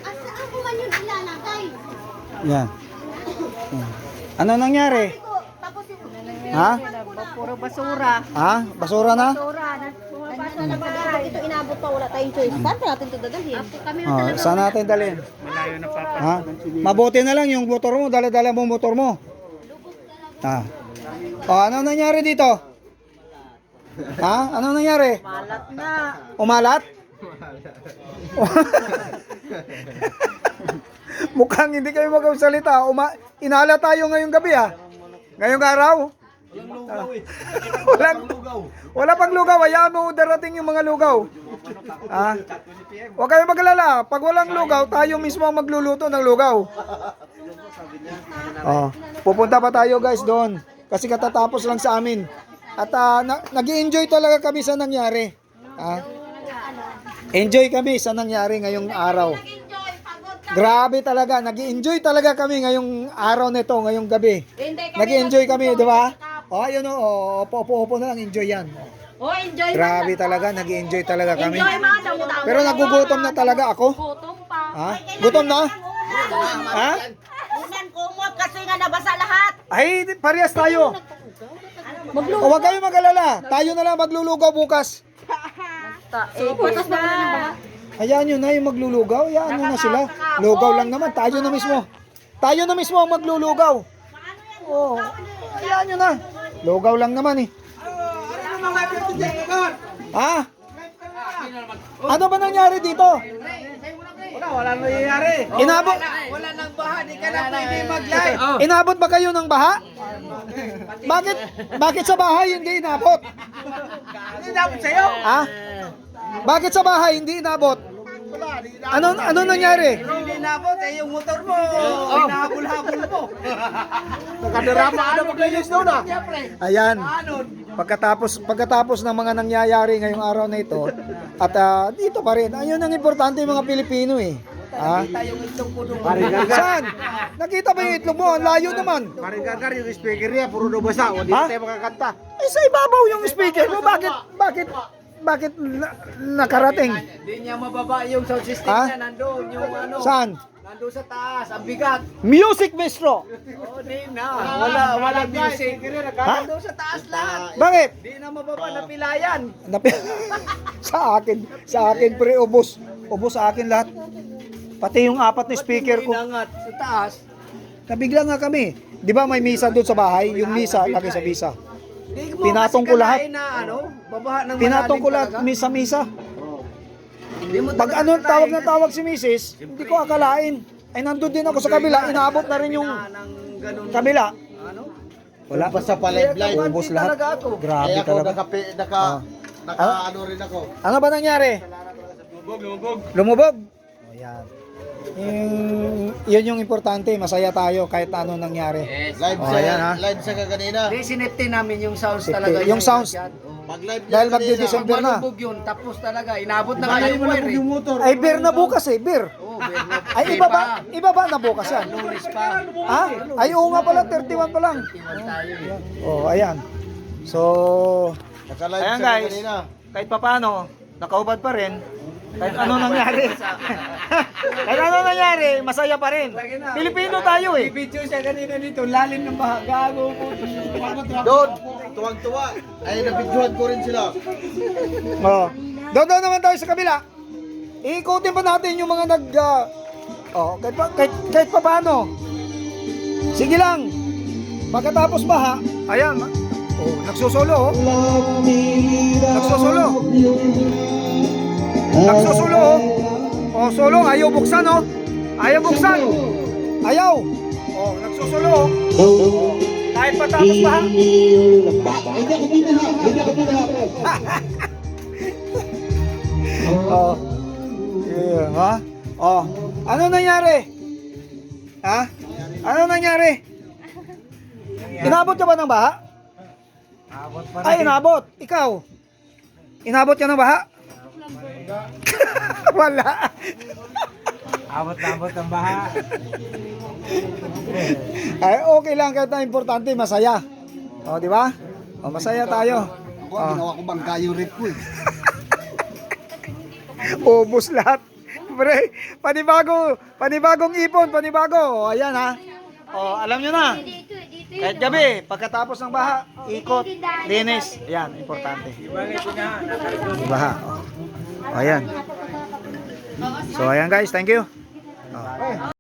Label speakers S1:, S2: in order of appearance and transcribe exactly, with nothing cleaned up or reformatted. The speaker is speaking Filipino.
S1: Asa ako man yung ilalagay?
S2: Yan. Ano nangyari?
S1: Tapos yung...
S2: Ha?
S3: Puro basura.
S2: Ha? Basura na?
S3: Basura. Bumabasa na ba?
S1: Pag ito inabot pa, wala tayong choice. Saan pa natin ito dadalhin?
S3: Kami
S2: Oh, saan natin dalhin?
S4: Malayo na papa.
S2: Ha? Mabuti na lang yung motor mo, dala-dala mo motor mo. Ha? O, ano nangyari dito? Ha? Ano nangyari?
S3: Malat na.
S2: Umalat? Mukhang hindi kayo magsalita. Uma inala tayo ngayong gabi ha. Ngayong araw. Walang lugaw. Wala pang lugaw. Hayaan mo darating yung mga lugaw. Ha? Huwag kayo maglala. Pag walang lugaw, tayo mismo ang magluluto ng lugaw. Oh, pupunta pa tayo guys doon. Kasi katatapos lang sa amin. At uh, na nag-enjoy talaga kami sa nangyari. Ha? Enjoy kami sa nangyari ngayong araw. Grabe talaga, nag-enjoy talaga kami ngayong araw nito, ngayong gabi. Nag-enjoy kami, di ba? Oh, ayun oh, opo-opo na lang, enjoy yan.
S3: Oh, enjoy.
S2: Grabe talaga, nag-enjoy talaga kami.
S3: Enjoy mga damo-damo.
S2: Pero nagugutom na talaga ako.
S3: Gutom pa.
S2: Ha? Gutom na? Ha?
S1: Unan kumot kasi nga nabasa lahat.
S2: Ay, parehas tayo. O, huwag kayo mag-alala. Tayo na lang maglulugaw bukas.
S3: Eh, butas ba na?
S2: Hayaan nyo na yung maglulugaw. Hayaan nyo na sila. Lugaw lang naman. Tayo na mismo. Tayo na mismo ang maglulugaw. Oo. Hayaan nyo na. Lugaw lang naman eh. Ha? Ano ba nangyari dito?
S4: Wala, wala nangyayari.
S2: Inabot,
S4: Wala nang baha, di ka na pwede mag-live.
S2: inabot ba kayo ng baha? Bakit? Bakit sa bahay hindi inabot?
S4: Hindi dapat sa'yo.
S2: Ha? Bakit sa bahay hindi inabot? Ano ano nangyari?
S4: Hindi nabot, eh yung motor mo. Hinahabol-habol mo. Nakadarama ka na mag-live doon ah.
S2: Ayan. Pagkatapos pagkatapos ng mga nangyayari ngayong araw na ito at ah, dito pa rin. Ayun ang importante yung mga Pilipino eh. Ha?
S4: Tayong itlog ko doon.
S2: Saan? Nakita ba yung itlog mo? Ang layo naman.
S4: Marigagar yung speaker niya, puro daw basa. O, di
S2: Ha?
S4: tayo makakanta.
S2: Ay, sa ibabaw yung speaker mo. Bakit? Bakit? Bakit na, nakarating?
S4: Hindi niya mababa yung sound system
S2: Ha?
S4: niya, nandun. Yung ano,
S2: Saan?
S4: nandun sa taas, ang bigat.
S2: Music maestro.
S4: Oo, di na. Wala, wala music.
S2: Ha?
S4: Nandun sa taas lahat.
S2: Bakit?
S4: Di na mababa, napilayan.
S2: Napi- sa akin, sa akin pre, ubos. Ubos sa akin lahat. Pati yung apat na speaker ko.
S4: Inangat sa taas.
S2: Nabigla nga kami. Di ba may misa doon sa bahay? Yung misa, lagi sa misa.
S4: Di mo
S2: Pinatong
S4: kasi
S2: ko lahat.
S4: kalain Na, ano, babaha ng
S2: Pinatong ko
S4: malalim
S2: lahat,
S4: talaga.
S2: misa-misa.
S4: Hindi mo
S2: Pag
S4: talaga
S2: ano,
S4: kalain
S2: tawag na
S4: kasi
S2: tawag si misis, hindi ko akalain. Ay, nandun din ako sa kabila. Inaabot na rin yung
S4: na- ng ganun.
S2: kabila.
S4: Ano?
S2: Wala.
S5: Basta pa live live.
S2: Ubos lahat.
S4: Talaga ako.
S2: Grabe
S5: Kaya ako
S2: talaga.
S5: naka, naka,
S2: Ah.
S5: naka ano rin ako.
S2: Ano ba nangyari? Lumubog, lumubog. O yan. Yung, yun yung importante, masaya tayo kahit ano nangyari.
S5: Live
S2: Oh,
S5: sa
S2: ayan, ha?
S5: live sa kaganina.
S4: Di sinipti namin yung sounds
S2: Safety.
S4: talaga.
S2: Yung sounds.
S5: Pag live niya
S2: Dahil
S5: kanina,
S2: magdi-December na.
S4: Malubog yun, tapos talaga, inabot na nga yung wire eh.
S2: Ay, beer na bukas eh, beer.
S4: Oo, beer na.
S2: Ay, iba ba? Iba ba na bukas yan?
S4: Lunes pa.
S2: Ha? Ay, oo nga pala, thirty-one pa lang.
S4: Tayo eh.
S2: Oh, ayan. So,
S5: Naka-live
S2: ayan
S5: sa
S2: guys,
S5: kanina.
S2: kahit papaano, nakaubad pa rin. Kahit ano nangyari. Kahit ano nangyari, masaya pa rin. Pilipino tayo eh.
S4: Video siya kanina dito, lalim ng baha. Gago po.
S5: Doon, tuwang-tuwa. Ay, nabidyohan ko rin sila.
S2: Oh. Doon doon naman tayo sa kabila. Iikutin pa natin yung mga nag... ah, oh, kahit, pa, kahit, kahit pa paano. Sige lang. Pagkatapos baha, ayan. Oh, nagsusolo oh. Nagsusolo. Nagsusulo oh. Oh, sulong. Ayaw buksan oh. Ayaw buksan. Ayaw. Oh, nagsusulo oh. Oh. Kahit patapos baha. Oh. Yeah, ha? Oh. Ano nangyari? Ha? Ano nangyari? Inabot ka ba ng baha? Ay, inabot. Ikaw? Inabot ka ng baha? Wala.
S4: Abot-abot ang baha.
S2: Ay, okay lang kahit na importante, masaya. O, di ba? O, masaya tayo.
S5: Ako, ginawa ko bangka yung rip ko eh.
S2: Ubus lahat. Siyempre, panibago, panibagong ipon, panibago. O, ayan ha. O, alam nyo na. Kahit gabi, pagkatapos ng baha, ikot, linis. Ayan, importante. Baha. O, ayan. So, ayan guys, thank you. O.